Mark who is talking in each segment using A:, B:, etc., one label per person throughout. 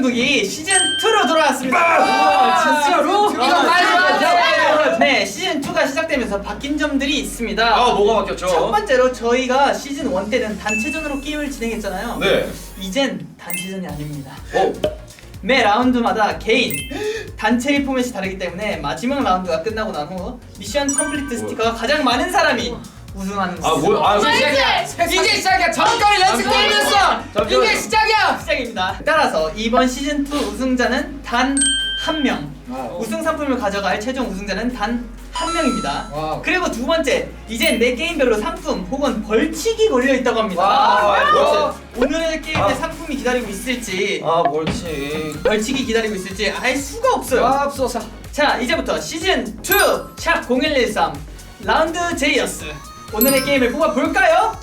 A: 대한민국이 시즌 2로 돌아왔습니다.
B: 진짜로?
A: 네, 시즌 2가 시작되면서 바뀐 점들이 있습니다.
C: 뭐가 바뀌었죠?
A: 첫 번째로 저희가 시즌 1 때는 단체전으로 게임을 진행했잖아요.
C: 네.
A: 이젠 단체전이 아닙니다.
C: 오.
A: 매 라운드마다 개인, 단체의 포맷이 다르기 때문에 마지막 라운드가 끝나고 난 후 미션 컴플리트 스티커가 가장 많은 사람이 우승하는
B: 이제 시작이야. 전까지 연습 게임이었어. 이게 시작이야.
A: 시작입니다. 따라서 이번 시즌 2 우승자는 단 한 명. 우승 상품을 가져갈 최종 우승자는 단 한 명입니다.
B: 와우.
A: 그리고 두 번째, 이젠 매 게임별로 상품 혹은 벌칙이 걸려 있다고 합니다.
C: 와,
A: 오늘의 게임에 상품이 기다리고 있을지, 벌칙이 기다리고 있을지 알 수가 없어요.
B: 없어서.
A: 자, 이제부터 시즌 2 샵 0113 라운드 제이어스 오늘의 게임을 뽑아볼까요?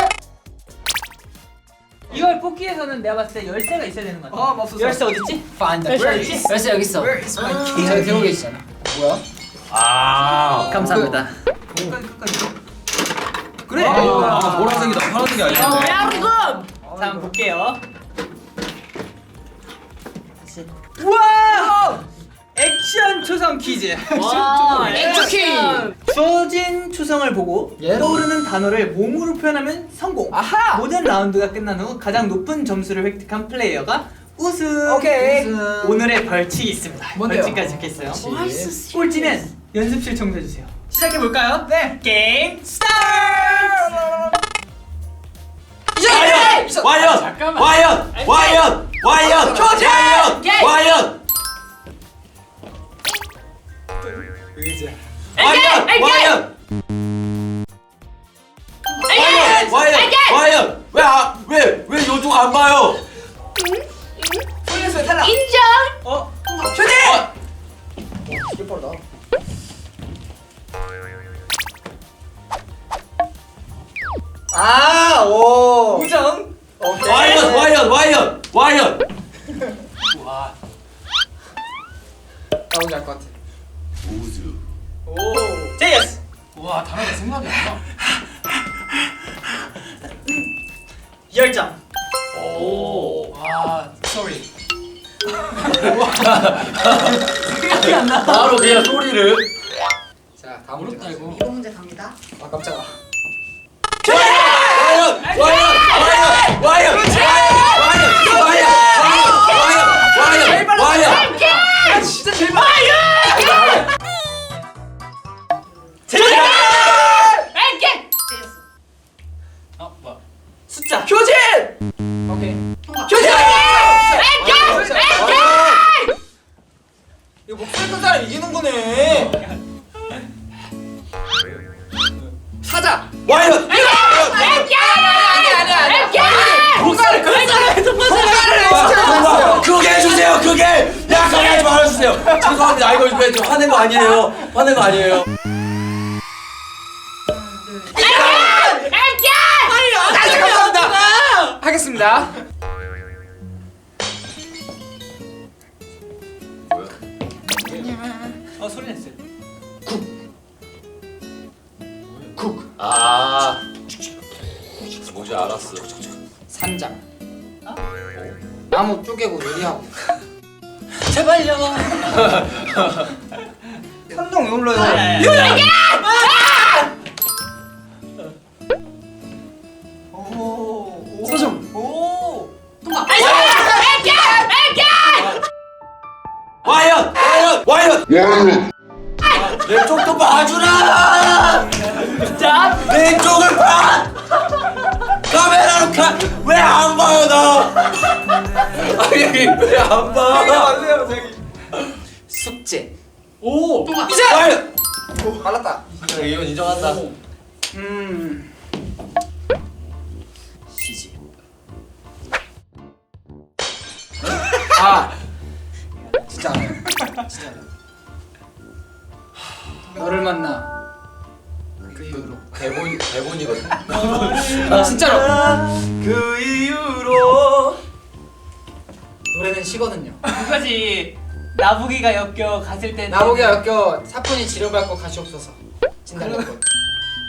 A: 이걸 뽑기 위해서는 내가 봤을 때 열쇠가 있어야 되는 것 같아.
B: 없어서.
A: 열쇠 어딨지?
B: Find the
A: 열쇠
B: place.
A: 어딨지?
B: 열쇠 여기 있어.
A: Where is my key?
B: 저기 들고 계시잖아. 뭐야?
A: 감사합니다.
B: 그래.
C: 보라색이다. 파란색이 아닌데.
A: 자, 한번 볼게요. 다시. 우와! 액션 초성 퀴즈.
B: 액션 퀴즈.
A: 주어진 초성을 보고
B: 예.
A: 떠오르는 단어를 몸으로 표현하면 성공.
B: 아하.
A: 모든 라운드가 끝난 후 가장 높은 점수를 획득한 플레이어가 우승.
B: 오케이.
A: 오늘의 벌칙이 있습니다.
B: 뭔데요?
A: 벌칙까지 적혀있어요.
B: 벌칙.
A: 꼴찌는 연습실 청소해주세요. 시작해볼까요? 네. 게임 스타트!
C: 와연!
A: 조지!
C: 와연! 왜 요쪽 안 봐요?
A: 소리에서 탈락.
D: 인정!
A: 조지!
B: 이게 빠르다.
A: 오. 우정.
C: 와연!
B: 나 뭔지 알 것 같아.
C: 우즈.
A: 오. 제이어스.
B: 와, 단어가 생각이 안 나.
A: 열정.
C: 오.
B: 와, sorry.
A: 생각이 안 나.
C: 바로 그냥 소리를.
B: 자, 다음 문제 가자.
D: 이거 문제 갑니다.
B: 아, 깜짝아.
C: 와연!
B: 진짜 제발.
D: 알게!
B: 뭐야?
A: 숫자.
B: 교진. 오케이.
D: 통과.
B: 교진.
D: 알게!
B: 이거 목소리 큰 사람 이기는 거네. 사자.
C: 와연!
B: 아니야. 통과를
C: 그게 해주세요. 그게 약간 하지 말아주세요. 죄송합니다. 이거 좀 화낸 거 아니에요.
B: 감사합니다. 하겠습니다.
A: 소리 냈어요.
C: 쿡. 뭔지 알았어.
B: 산장. 나무 쪼개고 요리하고.
A: 제발요.
B: 현동 왜 불러요?
A: 오.
B: 서점.
A: 오.
D: 통과.
C: 와연! 내 쪽도 봐주라!
A: 자.
C: 내 쪽을 봐! 카메라로 왜 안 봐요 나? 아니 왜 안 봐?
B: 안돼요 저기. 숙제.
A: 오.
D: 통과.
C: 와연!
B: 말랐다.
C: 이건 인정한다.
B: 시집. 아. 진짜 알아요. 진짜 알아요. 너를 만나. 그 이후로.
C: 대본이거든.
B: 진짜로.
C: 그 이후로
B: 노래는 시거든요.
A: 그거지. 나부기가 엮여 갔을 때.
B: 나보기가 엮여 사뿐히 지려밟고 가시옵소서. 진달래꽃.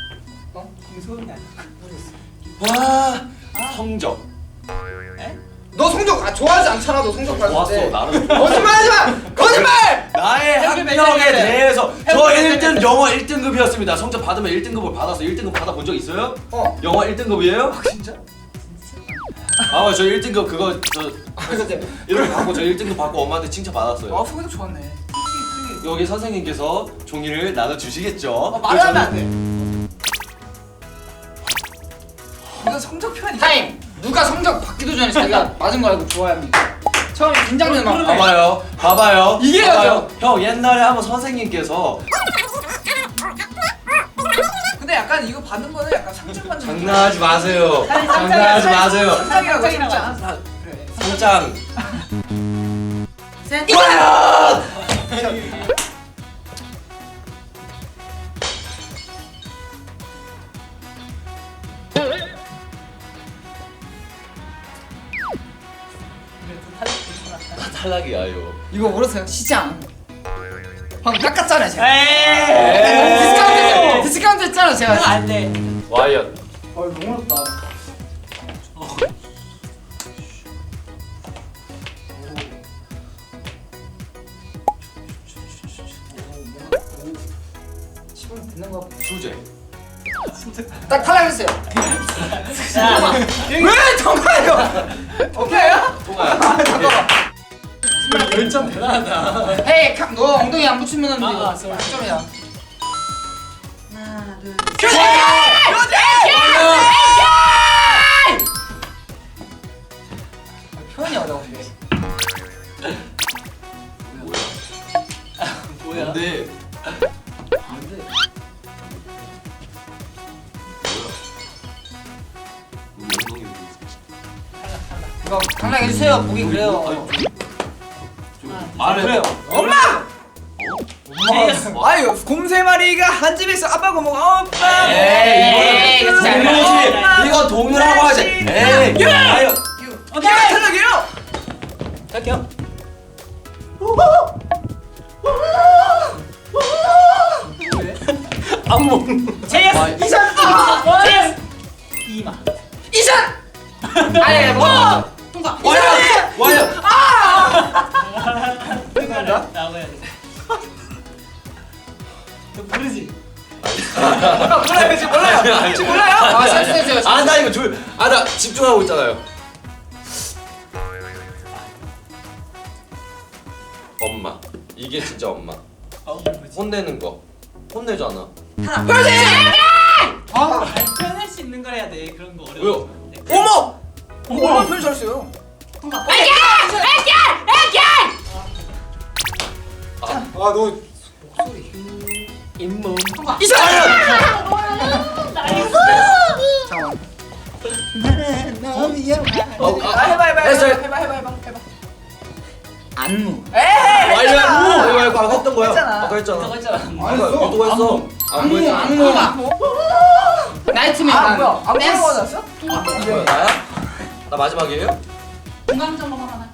A: 그 소음이 아니야.
C: 와 성적.
B: 너 성적 좋아하지 않잖아. 너 성적 봤을
C: 좋았어
B: 때.
C: 나는.
B: 거짓말하지 마. 거짓말.
C: 나의 학력에 대해서 저 1등 영어 1등급이었습니다. 성적 받으면 1등급을 받아서 1등급 받아본 적 있어요? 영어 1등급이에요?
B: 진짜?
C: 아, 저 1등급 그거 저 이렇게 받고 저 1등급 받고 엄마한테 칭찬 받았어요.
B: 성적 좋았네.
C: 여기 선생님께서 종이를 나눠 주시겠죠?
B: 말을 하면 안 돼. 이건 성적 표현이. 타임. 누가 성적 받기도 전에 자기가 맞은 거 알고 좋아합니까? 처음 긴장되는 막.
C: 봐봐요, 봐봐요.
B: 이게
C: 봐봐요. 형 옛날에 한번 선생님께서
D: 근데 약간 이거 받는 거는 약간 상처받는
C: 장난하지 마세요. 장난하지 마세요.
D: 상장이라고 진짜.
B: 그래.
C: 상장.
D: 셋.
C: 나 탈락이야 이거.
B: 이거 모르세요? 시장. 방금 깎았잖아요 제가.
C: 에이.
B: 디스카운트 했잖아 제가.
D: 안 돼.
C: 와이엇.
B: 너무 어렵다. 시간 듣는 거.
C: 수제.
B: 딱 탈락했어요. 왜 통과해요? 오케이요?
C: 통과야.
B: 열정 대단하다. 헤이, 너 엉덩이 안 붙이면
D: 아,
B: 이거 점이야.
D: 하나 둘.
B: 표현이 어려운데.
C: 뭐야? 근데
B: 이거 탈락해주세요. 보기 그래요.
C: 말해.
B: 그래요. 엄마! 아유, 곰3 마리가 한 집에 있어. 아빠가 먹어. 엄마.
C: 에이, 이거는 동료지. 이건 동료라고 하지. 에이. 아유.
B: 오케이, 탈락이에요.
C: 갈게요. 안 먹는.
D: 제이스.
B: 이산.
D: 제이스. 이마.
B: 이산. 아니, 뭐?
D: 통과.
C: 와이엇. 와이엇.
D: 나와야 돼. 너 모르지?
B: 몰라요, 지금 몰라요. 지금 몰라요? 아, 실수했어요.
C: 아, 나 이거 나 집중하고 있잖아요. 엄마. 이게 진짜 엄마. 혼내는 거. 혼내잖아.
D: 표현할 수 있는 걸 해야 돼. 그런 거 어려워.
C: 왜요?
B: 어머! 얼마나 표현 잘했어요.
D: 통과.
B: 아, 너 목소리.
C: 잇몸.
B: 이산.
D: 나이스.
B: 잠깐만.
C: 해봐. 했어요.
B: 해봐. 안무.
C: 와이엇. 이거 아까 했던 거야.
B: 했잖아.
C: 아까 했잖아.
D: 저거 있잖아.
C: 아까 또 했어.
B: 안무. 안무가. 나이트메어. 뭐야? 안무라고 하셨어?
C: 뭐야, 나야? 나 마지막이에요?
D: 중간점검 하나.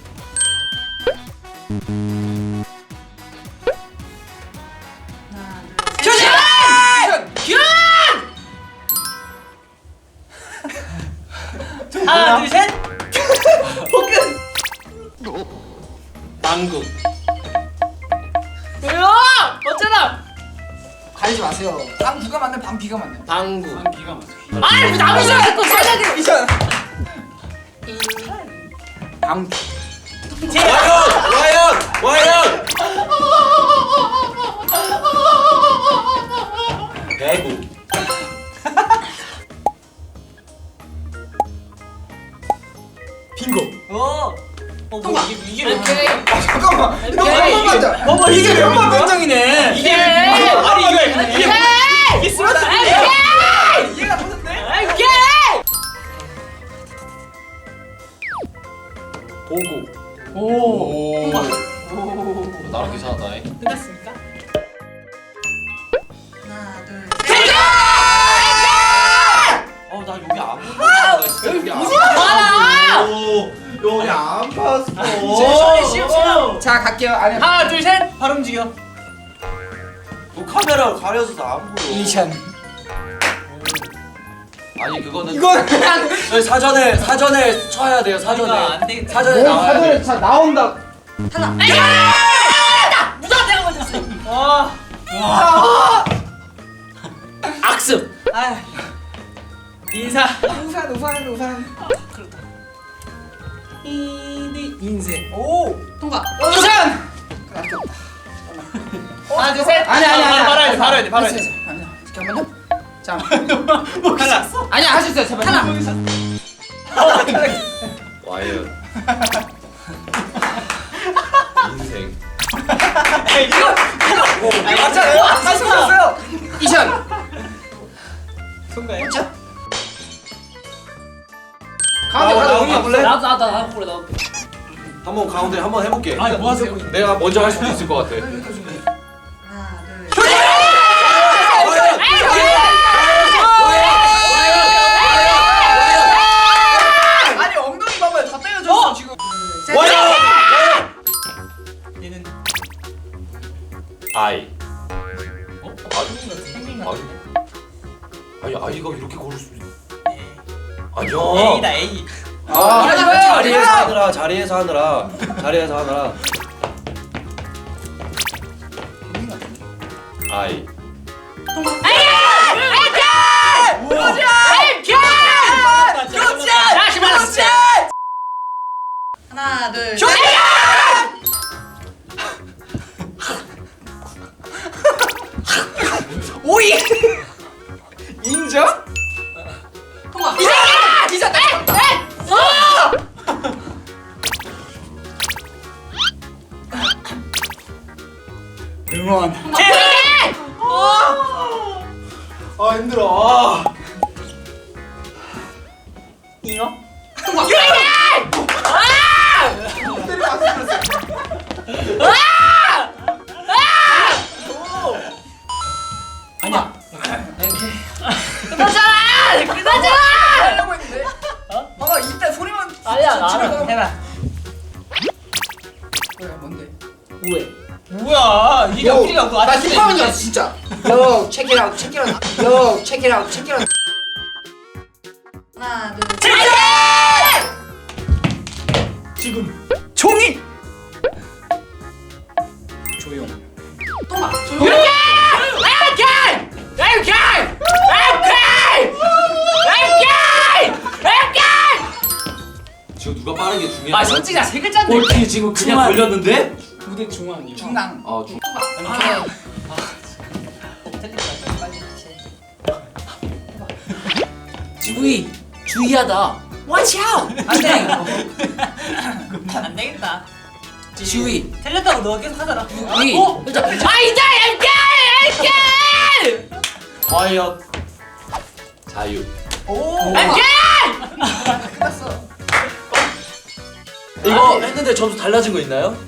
B: 교신!
D: 하나 둘 셋.
C: 방구.
D: 왜요? 어쩌나?
B: 가리지 마세요. 방 누가 만든 방 비가 만든.
C: 방구.
D: 아니 왜 남의 시간 또 써야
B: 이산. 방.
C: 와이엇. 배구. 빙고.
D: 뭐 이게 왜?
B: 오케이. 잠깐만. 이거
D: 오케이.
B: 몇번 만져?
D: 뭐뭐
B: 이게 몇번 만정이네.
D: 이게 아니 이게 스마트
B: 이해가 되는데?
C: 보고.
B: 오.
C: 나랑 괜찮았다.
D: 끝났습니까? 하나 둘
C: 나 여기 안 봤어. 여기 안 봤어. 여기 안 봤어.
B: 자, 갈게요. 안에
D: 하나 둘 셋 바로 움직여.
C: 너 카메라 가려서 안 보여.
B: 이션.
C: 아니 그거는
B: 이건 그냥
C: 저희 사전에 쳐야 돼요.
A: 이거 안 되겠다.
C: 사전에 나와야 돼.
B: 자 나온다.
D: 탈락. 무조건 내가 먼저 했어.
A: 와.
B: 악습.
D: 아,
A: 인사.
D: 우산. 그렇다. 인생.
B: 오.
D: 통과.
B: 우산.
A: 하나 둘 셋.
B: 아니.
A: 바로 해야 돼.
B: 아니야. 잠깐만요. 자.
A: 탈락.
B: 아니야 할 수 있어요. 제발.
D: 탈락.
C: 와이어. 인생.
A: 맞잖아요. 다시 왔어요.
B: 이션.
A: 손가요?
B: 자.
C: 가운데
B: 가운데
C: 볼래?
B: 나도 볼래. 나도.
C: 한번 가운데 한번 해볼게.
A: 아니 뭐 하세요?
C: 내가 먼저 할 수도 있을 것 같아.
D: 하나, 둘.
A: 아니 엉덩이 봐봐요. 다 때려줬어 지금. 얘는
C: 아이.
A: 생긴
C: 아이. 아니 아이가 이렇게 걸을 수 있. 아니야.
A: A다 A.
C: 자리에서 하느라. 아이.
D: 하나, 둘.
B: 오이. 인정?
D: 통과.
B: 응원.
C: 아 힘들어.
A: 잉어?
B: 아니야.
A: 하려고 했는데. 봐봐 이때 소리만. 해봐.
B: 뭔데? 우회.
A: 뭐야 이게 몇 개가 그거
B: 나
A: 아저씨네.
B: 힙합인줄 알았어 진짜. Yo, check it out, check it out. Yo, check it out, check it out.
D: 하나, 둘.
A: 지금 종이.
B: 조용.
D: 통과.
C: 지금 누가 빠른 게 중요해.
B: 솔직히 세 글자인데.
C: 꼴찌 지금 그냥
B: 중앙.
C: 걸렸는데?
B: 무대 중앙이요.
D: 중앙.
C: 중.
B: 지구이 주의하다. Watch out.
A: 안돼. 안 되겠다.
B: 지구이.
A: 틀렸다고 너 계속 하잖아.
B: 지구이. 일단
C: 과연 자유.
A: 오.
D: 끝났어.
C: 이거 했는데 점수 달라진 거 있나요?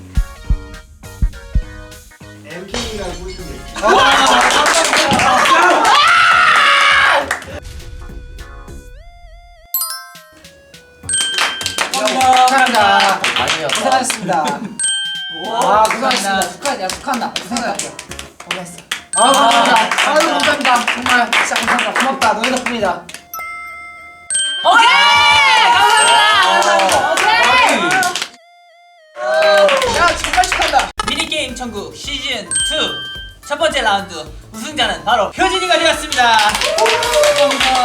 B: 축하한다.
C: 아니야.
B: 고생하셨습니다.
A: 와,
B: 고생하셨습니다. 축하한다. 고생했다. 고생했어. 감사합니다. 감사합니다. 정말 진짜 감사합니다. 고맙다. 너희 덕분이다.
A: 야 정말 축하한다. 미니게임 천국 시즌 2 첫 번째 라운드 우승자는 바로 효진이가 되었습니다. 축하합니다.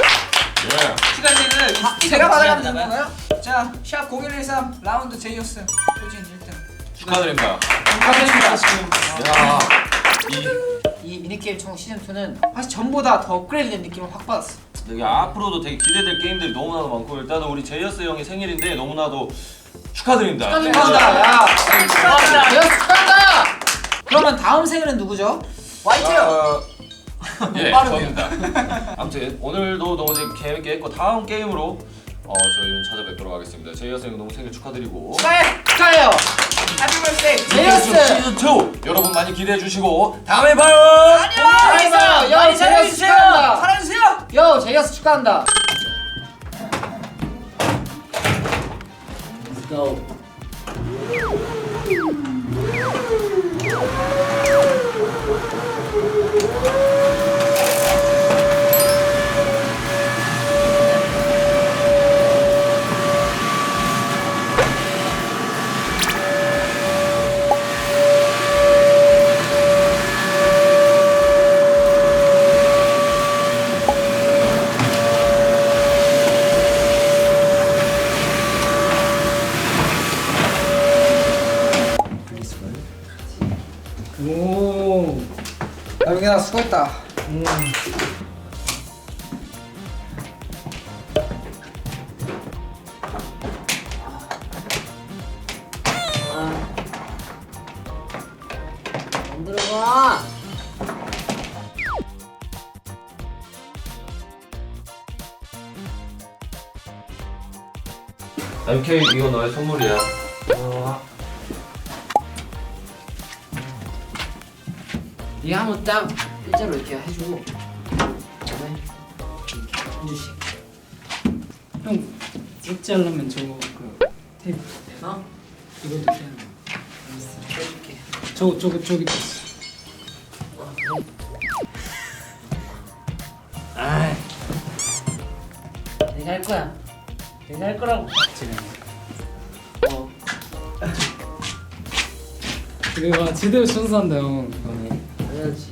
A: 시간제를
D: 제가 받아가면 되는 건가요? 자, 샵 0113 라운드 제이어스 효진 1등.
C: 축하드립니다.
B: 축하드립니다.
C: 야,
B: 이 미니게임 총 시즌2는 사실 전보다 더 업그레이드된 느낌을 확 받았어.
C: 여기 앞으로도 되게 기대될 게임들이 너무나도 많고 일단은 우리 제이어스 형이 생일인데 너무나도 축하드립니다.
B: 축하드립니다. 야,
A: 축하합니다.
B: 제이어스 축하한다. 그러면 다음 생일은 누구죠?
A: 화이트요.
C: 예,
B: 빠르네요.
C: 저입니다. 아무튼 오늘도 너무 재밌게 했고 다음 게임으로 저희는 찾아뵙도록 하겠습니다. 제이어스 형 너무 생일 축하드리고
B: 축하해요.
A: 해피 버스데이.
B: 제이어스.
C: 시즌 2 여러분 많이 기대해 주시고 다음에 봐요.
B: 안녕. 야, 제이어스 축하한다.
A: 사랑해주세요.
B: 요, 제이어스 축하한다. Let's go.
D: 수고했다.
B: 안 들어가.
C: MK 이거 너의 선물이야.
B: 네가 한번 딱 일자로 이렇게 해주고 그다음에 이렇게 한 주씩.
E: 형 찍지 않으면 저거 그 테이프
B: 어?
E: 이것도 해야 돼.
B: 해줄게.
E: 저기 있어.
B: 아, 내가 할 거야. 내가 할 거라고.
E: 지금
B: 어.
E: 그거 제대로 순수한다 형. 이거는.
B: 당연하지.